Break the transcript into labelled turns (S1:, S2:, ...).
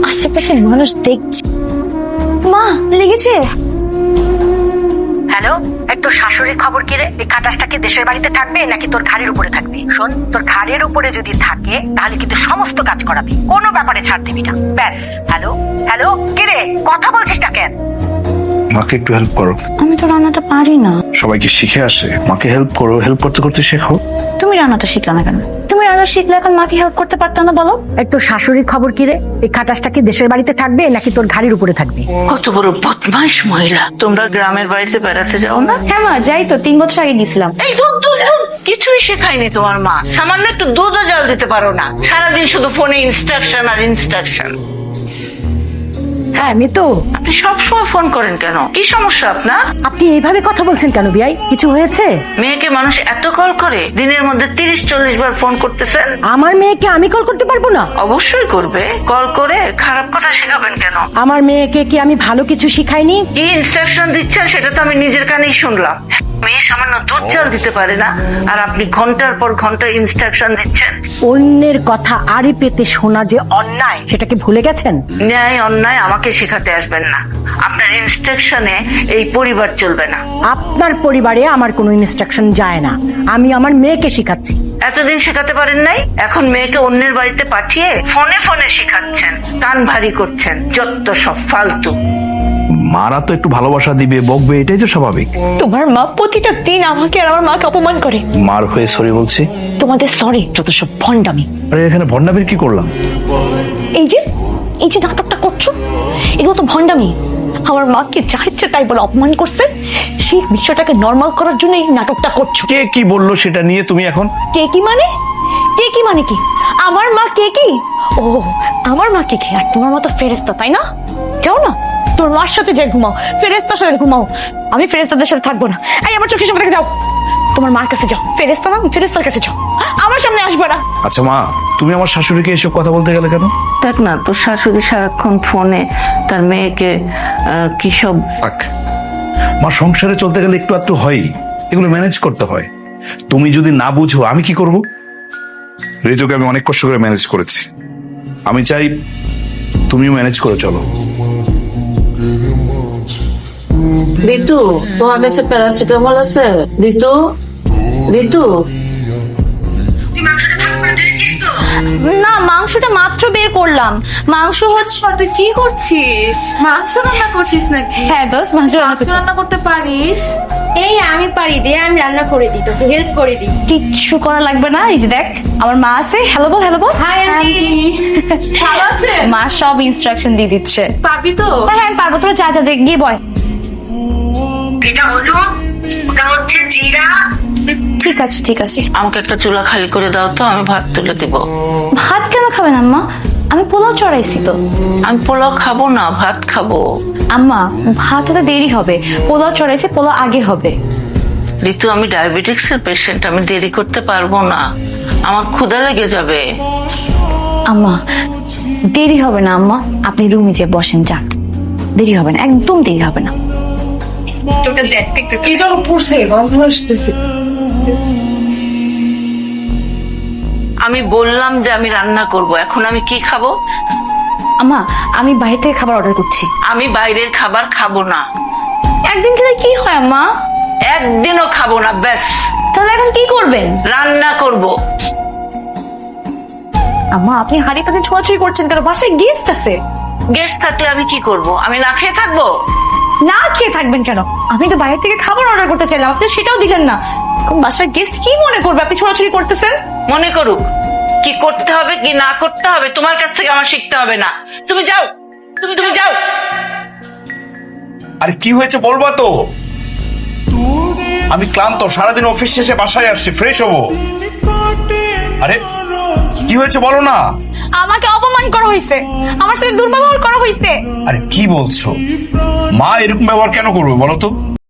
S1: আশেপাশে মানুষ দেখছে। মা লেগেছে।
S2: হ্যালো, তোর শাশুড়ির খবর কি রে? এই খাটাসটা কি দেশের বাড়িতে থাকবে নাকি তোর ঘাড়ের উপরে থাকবে? শোন, তোর ঘাড়ের উপরে যদি থাকে তাহলে কিন্তু সমস্ত কাজ করাবি, কোনো ব্যাপারে ছাড় দিবি না। ব্যাস। হ্যালো হ্যালো, কি রে কথা বলছিস না কেন?
S3: মাকে একটু হেল্প করো।
S1: আমি তো রান্নাটা পারি না।
S3: সবাইকে শিখে আসে, মাকে হেল্প করো, হেল্প করতে করতে শেখো।
S1: তুমি রান্নাটা শিখলে না কেন? তুমি রান্না শিখলে এখন মাকে হেল্প করতে পারতো না বলো?
S2: তোর শাশুড়ির খবর কি রে? এই খাটাসটা কি দেশের বাড়িতে থাকবে নাকি তোর ঘাড়ের উপরে থাকবে?
S4: কত বড় বদমাইশ মহিলা। তোমরা গ্রামের বাড়িতে বেড়াতে যাও না?
S1: হ্যাঁ মা, যাই তো, 3 বছর আগে গেছিলাম।
S4: এই দুধ দুধ দুধ কিছুই শেখায়নি তোমার মা। সামান্য একটু দুধও জল দিতে পারো না, সারাদিন শুধু ফোনে ইনস্ট্রাকশন আর ইনস্ট্রাকশন।
S2: হ্যাঁ মিতু,
S4: আপনি সবসময় ফোন করেন কেন? কি সমস্যা আপনার?
S2: আপনি এইভাবে কথা বলছেন কেন বিয়াই? কিছু হয়েছে?
S4: মেয়েকে মানুষ এত কল করে, দিনের মধ্যে 30-40 বার ফোন করতেছেন।
S2: আমার মেয়েকে আমি কল করতে পারবো না?
S4: অবশ্যই করবে। কল করে খারাপ কথা শেখাবেন কেন?
S2: আমার মেয়েকে কি আমি ভালো কিছু শিখাইনি?
S4: কি ইনস্ট্রাকশন দিচ্ছেন সেটা তো আমি নিজের কানেই শুনলাম। মেয়ে সামান্য দুধ জল দিতে পারে না, আর আপনি ঘন্টার পর ঘন্টা ইনস্ট্রাকশন দিচ্ছেন।
S2: অন্যের কথা আড়ি পেতে শোনা যে অন্যায়, সেটাকে ভুলে গেছেন?
S4: ন্যায় অন্যায় আমাকে শেখাতে আসবেন না। আপনার ইনস্ট্রাকশনে এই পরিবার চলবে না।
S2: আপনার পরিবারে আমার কোনো ইনস্ট্রাকশন যায় না, আমি আমার মেয়েকে শিখাচ্ছি।
S4: এতদিন শেখাতে পারেন নাই, এখন মেয়েকে অন্যের বাড়িতে পাঠিয়ে ফোনে ফোনে শেখাচ্ছেন, কান ভারী করছেন। যত সব ফালতু।
S3: মারা তো একটু ভালোবাসা দিবে, বকবে, এটাই তো স্বাভাবিক।
S1: তোমার মা প্রতিটা দিন আমাকে আর আমার মাকে অপমান করে।
S3: মার হয়ে সরি বলছি।
S1: তোমাদের সরি যত সব ভন্ডামি।
S3: আরে এখানে ভন্ডামির কি করলাম?
S1: এই যে নাটকটা করছো, এগুলো তো ভন্ডামি। আমার মাকে যা ইচ্ছে তাই বলে অপমান করছে, সেই বিষয়টাকে নর্মাল করার জন্য এই নাটকটা করছো।
S3: কে কি বললো সেটা নিয়ে তুমি এখন?
S1: কে কি মানে? কে কি মানে কি? আমার মা কে কি? ও, আমার মা কে কি? আর তোমার মতো ফেরেস্তা, তাই না? যাও না, তোর মার সাথে যে ঘুমাও, ফেরেস্তার সাথে ঘুমাও। আমি ফেরেস্তাদের সাথে থাকবো না। এই আমার চোখের সামনে থেকে যাও, তোমার মার কাছে যাও। ফেরেস্তা না, ফেরেস্তার কাছে যাও, আমার সামনে আসবে না।
S3: আচ্ছা মা, তুমি আমার শাশুড়িকে এসব কথা বলতে গেলে কেন?
S4: দেখ না, তোর শাশুড়ি সারাক্ষণ ফোনে তার মেয়েকে কি সব।
S3: মা, সংসারে চলতে গেলে একটু একটু হয়, এগুলো ম্যানেজ করতে হয়। তুমি যদি না বুঝো আমি কি করব? রেজোকে আমি অনেক কষ্ট করে ম্যানেজ করেছি, আমি চাই তুমিও ম্যানেজ করে চলো।
S4: ঋতু, তোমার কাছে প্যারাসিটামল আছে? ঋতু, ঋতু।
S1: না, মাংসটা মাত্র বের করলাম। মাংস হচ্ছে।
S5: তুই কি করছিস? মাংস রান্না করছিস নাকি?
S1: হ্যাঁ দোস্ত, মাংস
S5: রান্না করতে পারিস?
S1: এই আমি পারি, দে আমি রান্না করে দিই, তোকে হেল্প করে দিই। কিচ্ছু করা লাগবে না। এই যে দেখ, আমার মা আছে। হ্যালো বল, হ্যালো বল।
S5: হাই আন্টি, ভালো আছে?
S1: মা সব ইনস্ট্রাকশন দিয়ে দিচ্ছে।
S5: পারবি তো?
S1: হ্যাঁ হ্যাঁ, আমি পারবো। তোরা যা যা, গিয়ে বয়।
S2: এটা হলো, ওটা হচ্ছে জিরা।
S1: ঠিক আছে ঠিক আছে।
S4: আমাকে একটা চুলা খালি করে দাও তো, আমি ভাত তুলে দিব।
S1: ভাত কেন খাবেন আম্মা? আমি পোলাও চড়াইছি তো।
S4: আমি পোলাও খাবো না, ভাত খাবো।
S1: আম্মা, ভাত হতে দেরি হবে, পোলাও চড়াইছি, পোলাও আগে হবে।
S4: ঋতু, আমি ডায়াবেটিক্স এর পেশেন্ট, আমি দেরি করতে পারবো না, আমার ক্ষুধা লেগে যাবে।
S1: আম্মা, দেরি হবে না আম্মা, আপনি রুমে যে বসেন, যান। দেরি হবে না, একদম দেরি হবে না।
S5: তোকে দেখতে কি যেন পড়ছে, গন্ধ আসতেছে।
S4: আমি বললাম যে আমি রান্না করব, এখন আমি কি খাবো?
S1: আম্মা, আমি বাইরে থেকে খাবার অর্ডার করছি।
S4: আমি বাইরের খাবার খাবো না।
S1: একদিন খেলে কি হয় আম্মা?
S4: একদিনও খাবো না, ব্যাস।
S1: তাহলে এখন কি করবেন?
S4: রান্না করব।
S1: আম্মা, আপনি হাড়ি পাতে ছোঁয়াছুঁই করছেন কেন? বাসায় গেস্ট আছে।
S4: গেস্ট থাকলে আমি কি করব? আমি না খেয়ে থাকবো?
S1: না খেয়ে থাকবেন কেন? আমি তো বাইরে থেকে খাবার অর্ডার করতে চাইলাম, আপনি সেটাও দিলেন না। এখন বাসায় গেস্ট কি মনে করবে আপনি ছোঁয়াছুঁই করতেছেন?
S4: মনে করুক, কি করতে হবে কি না করতে হবে তোমার কাছ থেকে আমার শিখতে হবে না। তুমি যাও, তুমি যাও।
S3: আরে কি হয়েছে বলবা তো? আমি ক্লান্ত, সারাদিন অফিস শেষে বাসায় আসছি, ফ্রেশ হবো। আরে কি হয়েছে বলো না?
S1: আমাকে অপমান করা হয়েছে, আমার সাথে দুর্ব্যবহার করা হয়েছে।
S3: আরে কি বলছো? মা এরকম ব্যবহার কেন করবে বলো তো?